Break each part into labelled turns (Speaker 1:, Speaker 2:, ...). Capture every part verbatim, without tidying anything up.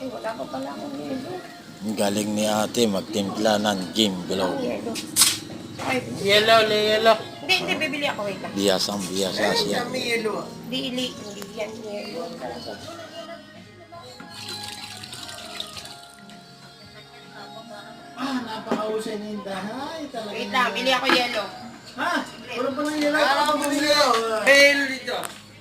Speaker 1: Eh, wala pa pala akong yelo.
Speaker 2: Ang galing ni ate magtimpla ng Jim Below.
Speaker 1: Ang yelo. Ay,
Speaker 3: Yellow, le yellow.
Speaker 1: hindi, hindi, bibili ako. Wait lang.
Speaker 2: Biyasang biyasa siya.
Speaker 3: May yellow.
Speaker 1: Hindi, hindi, hindi yan yelo. Talaga.
Speaker 3: Ah, napakausay na yung dahay. Talaga.
Speaker 1: Wait lang, bili ako yelo.
Speaker 3: Ha? Wala pa ng yellow. Ah, ako bumili yellow. May yellow dito.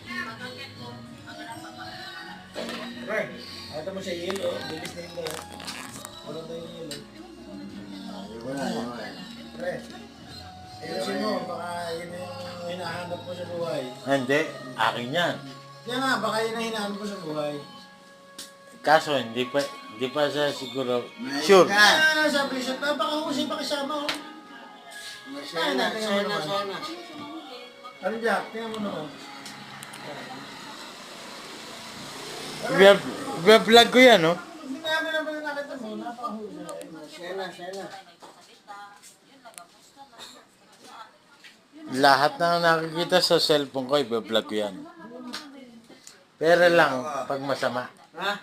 Speaker 3: Pre, ito mo siya yellow. Bilis na yellow. Wala tayong yellow. Wala naman. Pre, ayusin mo. Baka yun yung hinahanap mo sa buhay.
Speaker 2: Hindi, akin yan.
Speaker 3: Kaya nga, baka yun ang hinahanap mo sa buhay.
Speaker 2: Kaso hindi pa hindi pa siya siguro sure.
Speaker 3: Kaya nga sabi siya, napakahusay pa kasama oh. Sana, sana, sana. Ano Jack? Tingnan mo naman.
Speaker 2: Vlog ko yan, no?
Speaker 3: Hindi namin naman nakita mo, napakahusay. Sana, sana.
Speaker 2: Lahat na nakikita sa cellphone ko, i-vlog ko yan. Pero lang, pag masama.
Speaker 3: Ha?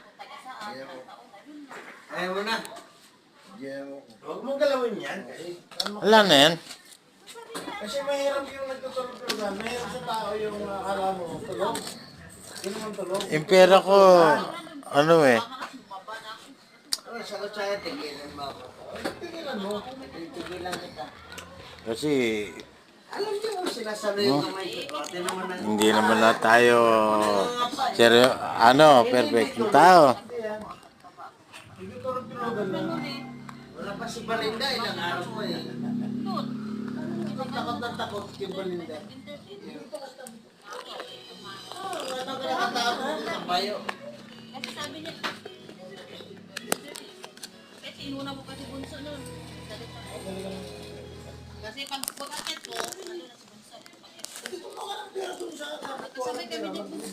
Speaker 3: Ayaw mo na. Huwag mong galawin yan. Kasi,
Speaker 2: Wala na yan.
Speaker 3: kasi mahirap yung nagtutulog-tulogan. Mahirap sa tao yung akala mo, tulog. Hindi naman tulog.
Speaker 2: Yung pera ko, ano eh.
Speaker 3: Ano, sagot sa'yo, tigilan mo ako. Tigilan mo. Tigilan kita.
Speaker 2: Kasi
Speaker 3: Alam niyo kung sinasalo yung kamay ko. Ate naman ang...
Speaker 2: hindi naman na tayo seryo, ano, perfect tao.
Speaker 3: Nagtutulog-tulogan lang. Wala pa si Balinda, ilang araw mo eh. Takot na takot yung Balinda. Oh, wala ka nakatakot sa bayo.
Speaker 4: Kasi sabi niya, kasi inuna mo kasi bunso nun. Kasi pag pag-akit ko, ano na si bunso.
Speaker 3: Hindi ko makalang pera doon sa...
Speaker 4: Kasabay kami din bunso.